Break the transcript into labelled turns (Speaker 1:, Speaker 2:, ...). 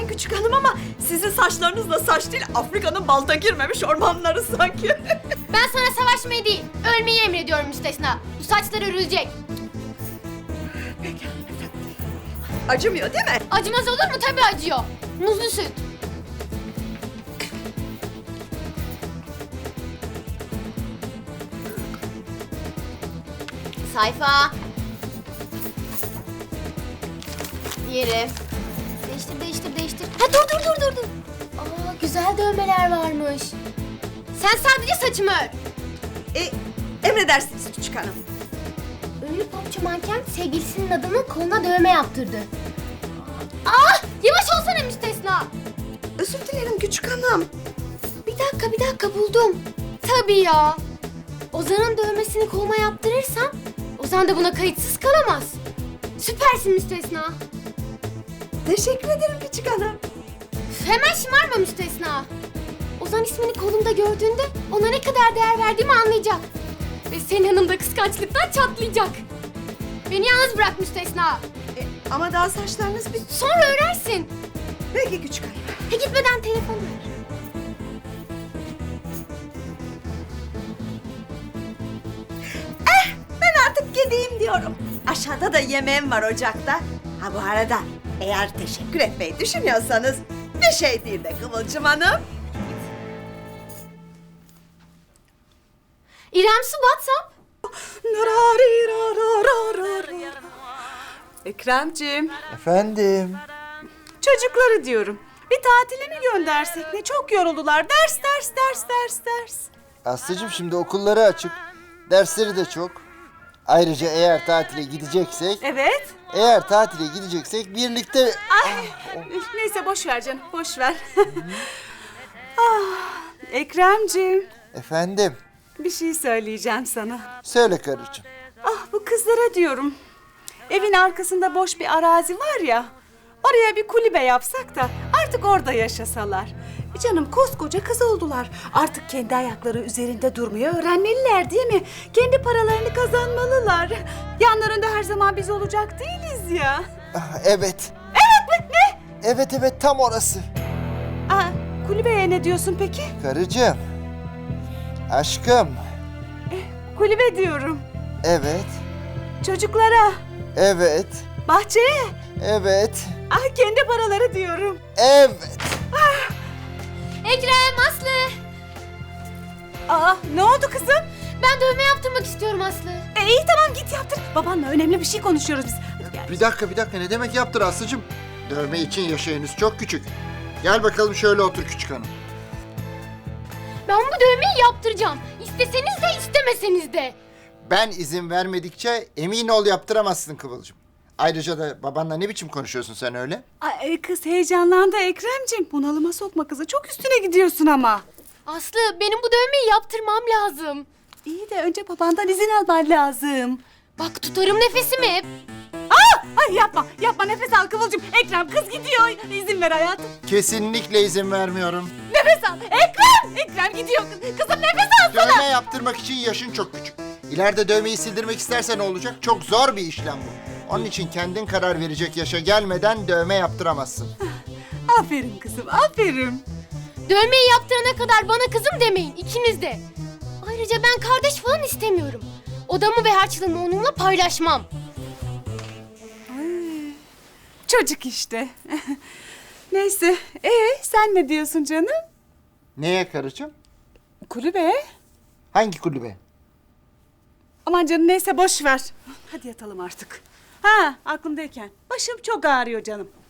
Speaker 1: bakmayın küçük hanım ama sizin saçlarınız da saç değil, Afrika'nın balta girmemiş ormanları sanki.
Speaker 2: Ben sana savaşmayı değil, ölmeyi emrediyorum müstesna. Bu saçlar örülecek.
Speaker 1: Peki. Acımıyor değil mi?
Speaker 2: Acımaz olur mu? Tabii acıyor. Muzlu süt. Sayfa. Diğeri. Değiştir. Ha dur. Aa, güzel dövmeler varmış. Sen sadece saçımı ör.
Speaker 1: Emredersiniz küçük hanım.
Speaker 2: Ünlü popçu manken sevgilisinin adının koluna dövme yaptırdı. Ah! Yavaş olsana müstesna.
Speaker 1: Özür dilerim küçük hanım.
Speaker 2: Bir dakika buldum. Tabii ya. Ozan'ın dövmesini koluma yaptırırsam Ozan da buna kayıtsız kalamaz. Süpersin müstesna.
Speaker 1: Teşekkür ederim küçük hanım.
Speaker 2: Hemen şımarma müstesna. Ozan ismini kolumda gördüğünde ona ne kadar değer verdiğimi anlayacak. Ve senin yanımda kıskançlıktan çatlayacak. Beni yalnız bırak müstesna.
Speaker 1: Ama daha saçlarınız bir...
Speaker 2: Sonra örersin.
Speaker 1: Peki küçük hanım.
Speaker 2: Gitmeden telefon ver.
Speaker 1: Ben artık gideyim diyorum. Aşağıda da yemeğim var ocakta. Ha bu arada eğer teşekkür etmeyi düşünüyorsanız bir şey değil de Kıvılcım Hanım.
Speaker 2: İrem Su WhatsApp.
Speaker 3: Ekremciğim,
Speaker 4: Efendim?
Speaker 3: çocukları diyorum. Bir tatile mi göndersek ne? Çok yoruldular. Ders.
Speaker 4: Aslıcığım şimdi okulları açık. Dersleri de çok. Ayrıca eğer tatile gideceksek...
Speaker 3: Evet.
Speaker 4: Eğer tatile gideceksek birlikte...
Speaker 3: Neyse boş ver canım, boş ver. Ekremciğim,
Speaker 4: Efendim?
Speaker 3: bir şey söyleyeceğim sana.
Speaker 4: Söyle karıcığım.
Speaker 3: Bu kızlara diyorum. Evin arkasında boş bir arazi var ya. Oraya bir kulübe yapsak da artık orada yaşasalar. Canım koskoca kız oldular. Artık kendi ayakları üzerinde durmayı öğrenmeliler değil mi? Kendi paralarını kazanmalılar. Yanlarında her zaman biz olacak değiliz ya.
Speaker 4: Evet.
Speaker 3: Evet mi? Ne?
Speaker 4: Evet tam orası.
Speaker 3: Kulübeye ne diyorsun peki?
Speaker 4: Karıcığım. Aşkım.
Speaker 3: Kulübe diyorum.
Speaker 4: Evet.
Speaker 3: Çocuklara,
Speaker 4: Evet.
Speaker 3: bahçeye.
Speaker 4: Evet.
Speaker 3: Kendi paraları diyorum.
Speaker 4: Evet.
Speaker 2: Ekrem, Aslı.
Speaker 3: Ne oldu kızım?
Speaker 2: Ben dövme yaptırmak istiyorum Aslı.
Speaker 3: İyi tamam git yaptır. Babanla önemli bir şey konuşuyoruz biz. Hadi gel.
Speaker 4: Bir dakika ne demek yaptır Aslıcığım? Dövme için yaşı henüz çok küçük. Gel bakalım şöyle otur küçük hanım.
Speaker 2: Ben bu dövmeyi yaptıracağım. İsteseniz de istemeseniz de.
Speaker 4: Ben izin vermedikçe emin ol yaptıramazsın Kıvılcım. Ayrıca da babanla ne biçim konuşuyorsun sen öyle?
Speaker 3: Kız heyecanlandı Ekremciğim. Bunalıma sokma kızı. Çok üstüne gidiyorsun ama.
Speaker 2: Aslı, benim bu dövmeyi yaptırmam lazım.
Speaker 3: İyi de önce babandan izin alman lazım.
Speaker 2: Bak tutarım nefesimi hep.
Speaker 3: Ay yapma nefes al Kıvılcım. Ekrem kız gidiyor. İzin ver hayatım.
Speaker 4: Kesinlikle izin vermiyorum.
Speaker 3: Nefes al. Ekrem gidiyor. Kızım nefes al.
Speaker 4: Dövme yaptırmak için yaşın çok küçük. İleride dövmeyi sildirmek istersen ne olacak? Çok zor bir işlem bu. Onun için kendin karar verecek yaşa gelmeden dövme yaptıramazsın.
Speaker 3: Aferin kızım aferin.
Speaker 2: Dövmeyi yaptırana kadar bana kızım demeyin ikiniz de. Ayrıca ben kardeş falan istemiyorum. Odamı ve harçlığımı onunla paylaşmam.
Speaker 3: Çocuk işte. Neyse. Sen ne diyorsun canım?
Speaker 4: Neye karıcığım?
Speaker 3: Kulübe.
Speaker 4: Hangi kulübe?
Speaker 3: Aman canım neyse boş ver. Hadi yatalım artık. Aklımdayken. Başım çok ağrıyor canım.